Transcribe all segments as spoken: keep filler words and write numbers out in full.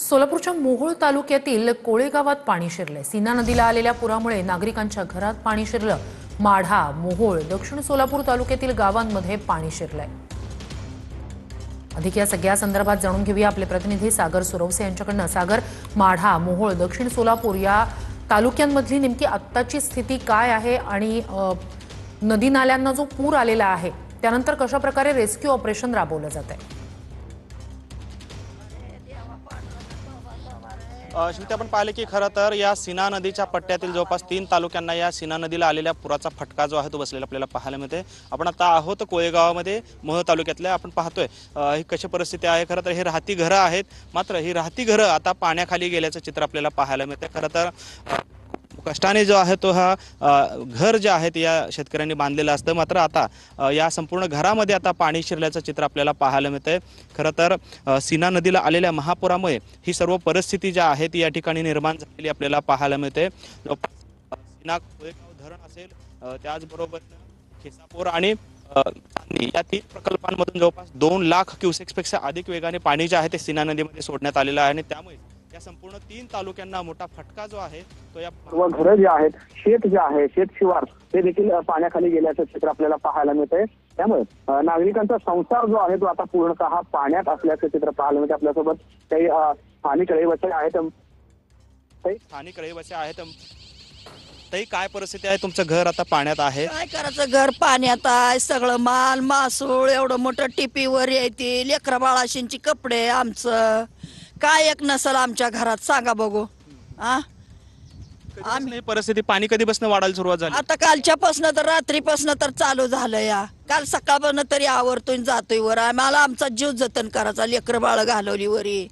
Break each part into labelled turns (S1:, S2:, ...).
S1: सोलापूरच्या मोहोळ तालुक्यातील कोळे गावात पाणी शिरले। सीना नदीला आलेल्या पुरामुळे नागरिकांच्या घरात पाणी शिरलं। माढा, मोहोळ, दक्षिण सोलापूर तालुक्यातील गावांमध्ये पाणी शिरलंय। अधिक या सगळ्या संदर्भात जाणून घेऊया आपले प्रतिनिधी सागर सुरवसे यांच्याकडून। सागर, माढा, मोहोळ, दक्षिण सोलापूर या तालुक्यांमधली नेमकी आत्ताची स्थिती काय आहे आणि नदी नाल्यांना जो पूर आलेला आहे त्यानंतर कशा प्रकारे रेस्क्यू ऑपरेशन राबवलं जात आहे?
S2: श्रुती, आपण पाहिले की खरं तर या सीना नदीच्या पट्ट्यातील जवळपास तीन तालुक्यांना या सीना नदीला आलेल्या पुराचा फटका जो आहे तो बसलेला आपल्याला पाहायला मिळते। आपण आता आहोत कोळेगावामध्ये, मोहोळ तालुक्यातल्या। आपण पाहतोय ही कशी परिस्थिती आहे। खरं तर हे राहती घरं आहेत, मात्र ही राहती घरं आता पाण्याखाली गेल्याचं चित्र आपल्याला पाहायला मिळते। खरं तर कष्टाने जो आहे तो हा घर जे आहे या शेतकऱ्यांनी बांधलेलं असतं, मात्र आता या संपूर्ण घरामध्ये आता पाणी शिरल्याचं चित्र आपल्याला पाहायला मिळतंय। खरं तर सीना नदीला आलेल्या महापुरामुळे ही सर्व परिस्थिती जी आहे ती या ठिकाणी निर्माण झालेली आपल्याला पाहायला मिळते। सीना कोळेगाव धरण असेल, त्याचबरोबर खेसापूर आणि या तीन प्रकल्पांमधून जवळपास दोन लाख क्युसेक्सपेक्षा अधिक वेगाने पाणी जे आहे ते सीना नदीमध्ये सोडण्यात आलेलं आहे आणि त्यामुळे या संपूर्ण तीन तालुक्यांना मोठा फटका जो आहे तो या
S3: घरं जे आहेत, शेत जे आहे, शेत शिवार ते देखील पाण्याखाली गेल्याचं चित्र आपल्याला पाहायला मिळतंय। त्यामुळे नागरिकांचा संसार जो आहे तो आता पूर्णतः पाण्यात असल्याचं चित्र पाहायला मिळते। आपल्यासोबत काही स्थानिक रहिवासी आहेत
S2: स्थानिक रहिवासी आहेत ताई, काय परिस्थिती आहे? तुमचं घर आता पाण्यात आहे,
S4: काय करायचं? घर पाण्यात आहे, सगळं माल मासूळ एवढं मोठं टिपीवर येते, लेकरा बाळाशींची कपडे, आमचं काय एक नसल आमच्या घरात, सांगा बघू। हा,
S2: आम्ही परिस्थिती पाणी कधीपासून वाढायला सुरुवात झाली?
S4: आता कालच्यापासून तर रात्रीपासून तर चालू झालं या। काल सकाळपासून तरी आवरतोय जातोय वर। आम्हाला आमचा जीव जतन करायचा, लेकर बाळ घालवली वरी।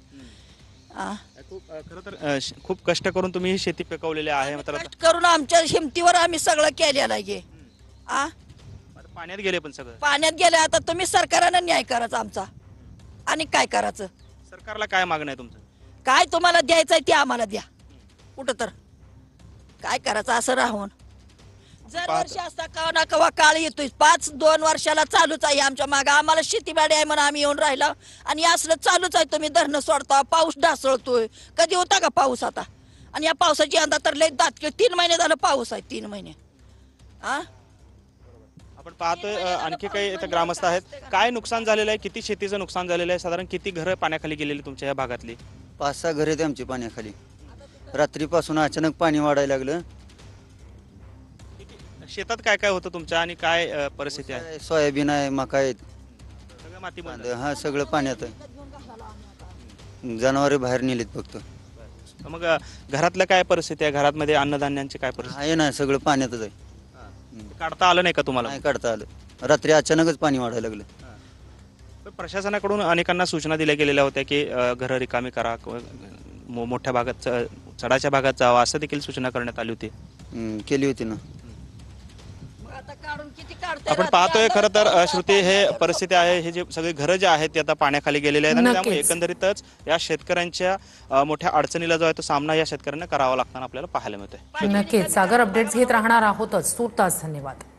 S2: खरं तर खूप कष्ट करून तुम्ही ही शेती पिकवलेली आहे, मात्र
S4: कष्ट करून आमच्या हिमतीवर आम्ही सगळं केलेलं आहे। आ
S2: पाण्यात गेले, पण सगळं
S4: पाण्यात गेले। आता तुम्ही सरकारनं न्याय करायचा आमचा, आणि काय करायचं?
S2: सरकारला काय मागणं आहे तुमचं?
S4: काय तुम्हाला द्यायचंय ते आम्हाला द्या। कुठं तर काय करायचं असं राहून जर वर्षी असता कवा ना कवा काळ येतोय। पाच दोन वर्षाला चालूच आहे आमच्या मागे। आम्हाला शेतीबाडी आहे म्हणून आम्ही येऊन राहिलो, आणि असलं चालूच आहे। तुम्ही धरणं सोडता, पाऊस ढासळतोय, कधी होता का पाऊस आता? आणि या पावसाची यंदा तर लय दात, तीन महिने झालं पाऊस आहे, तीन महिने। हा,
S2: आपण पाहतोय आणखी काही इथं ग्रामस्थ आहेत। काय नुकसान झालेलं आहे? किती शेतीचं नुकसान झालेलं आहे? साधारण किती घरं पाण्याखाली गेलेली तुमच्या या भागातली?
S5: पाच सहा घरे आहेत आमची पाण्याखाली। रात्रीपासून अचानक पाणी वाढायला लागलं।
S2: शेतात काय काय होतं तुमच्या आणि काय परिस्थिती आहे?
S5: सोयाबीन आहे, मका आहेत,
S2: सगळं माती बंद.
S5: हा सगळं पाण्यात आहे। जनावरे बाहेर नेलीत फक्त।
S2: मग घरातलं काय परिस्थिती आहे? घरामध्ये अन्नधान्यांची काय परिस्थिती
S5: आहे ना, सगळं पाण्यातच आहे।
S2: काढता आलं नाही का तुम्हाला?
S5: नाही काढता आलं, रात्री अचानकच पाणी वाढायला लागलं।
S2: प्रशासनाकडून अनेकांना सूचना दिल्या गेलेल्या होत्या की घरं रिकामी करा, मोठ्या भागात चढाच्या भागात जावा, असं देखील सूचना करण्यात आली होती।
S5: केली होती ना।
S2: आपण पाहतोय खरं तर श्रुती, हे परिस्थिती आहे, हे जे सगळे घरं जे आहेत ते आता पाण्याखाली गेलेले आहेत, आणि त्यामुळे एकंदरीतच या शेतकऱ्यांच्या मोठ्या अडचणीला जो आहे तो सामना या शेतकऱ्यांना करावा लागताना आपल्याला पाहायला मिळतोय।
S1: नक्कीच सागर, अपडेट्स घेत राहणार आहोतच। तूर्तास धन्यवाद।